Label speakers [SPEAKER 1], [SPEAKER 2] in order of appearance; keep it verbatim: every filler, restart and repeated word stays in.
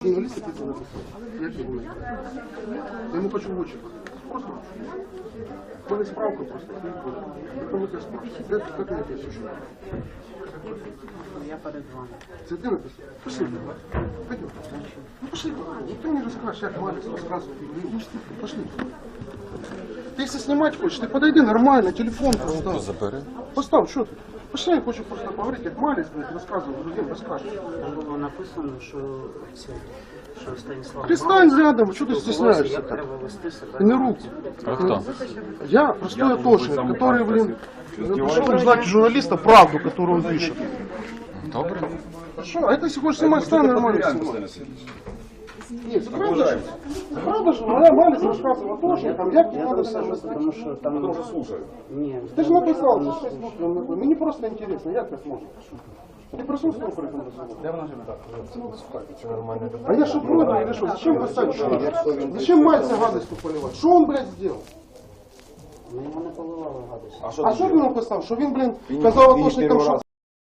[SPEAKER 1] Журналист это написал. Я тебе говорю. Я ему хочу в очи. Просто. Была справка просто. Это мы тебя спрашиваем. Как, как мне это еще?
[SPEAKER 2] Я перед вами.
[SPEAKER 1] Це ти написав? Пошли. Пойдем. Ну пошли. Ну ты мне расскажешь, как Малец рассказывает. Пошли. Ты если снимать хочешь, ты подойди нормально, телефон поставь.
[SPEAKER 3] Забери.
[SPEAKER 1] Поставь, что ты? Пошли, я хочу просто поговорить, как Малец, блядь, рассказывает, другим расскажешь.
[SPEAKER 2] Там було написано, що це, що Станіслав
[SPEAKER 1] Перестань рядом, что ты стесняешься
[SPEAKER 2] як
[SPEAKER 1] так?
[SPEAKER 2] треба вести себе.
[SPEAKER 1] Ты не руку.
[SPEAKER 3] А кто?
[SPEAKER 1] Я простой атошник, который, блин, пришел узнать у журналиста правду, которую он пишет.
[SPEAKER 3] Добре.
[SPEAKER 1] Хорошо, а это если хочешь снимать, стань нормально снимай. Нет, это правда же. Это правда же, моя Малец рассказывала атошникам, як не
[SPEAKER 2] Я
[SPEAKER 1] надо
[SPEAKER 2] просто,
[SPEAKER 1] себя
[SPEAKER 2] тому
[SPEAKER 1] вести.
[SPEAKER 2] що там...
[SPEAKER 4] Потому что слушаю.
[SPEAKER 2] Ні,
[SPEAKER 1] Ты же написал, что шесть букв, мне просто интересно, як это можно? Ты присутствовал при этом разговоре?
[SPEAKER 4] Я вона так, все нормально.
[SPEAKER 1] А я что, против или что? Зачем поставить что? Зачем Мальца гадостью поливать? Что он, блядь, сделал?
[SPEAKER 2] ми йому не поливали гадості.
[SPEAKER 1] А що він написав? Що він, блін, казав атошникам, що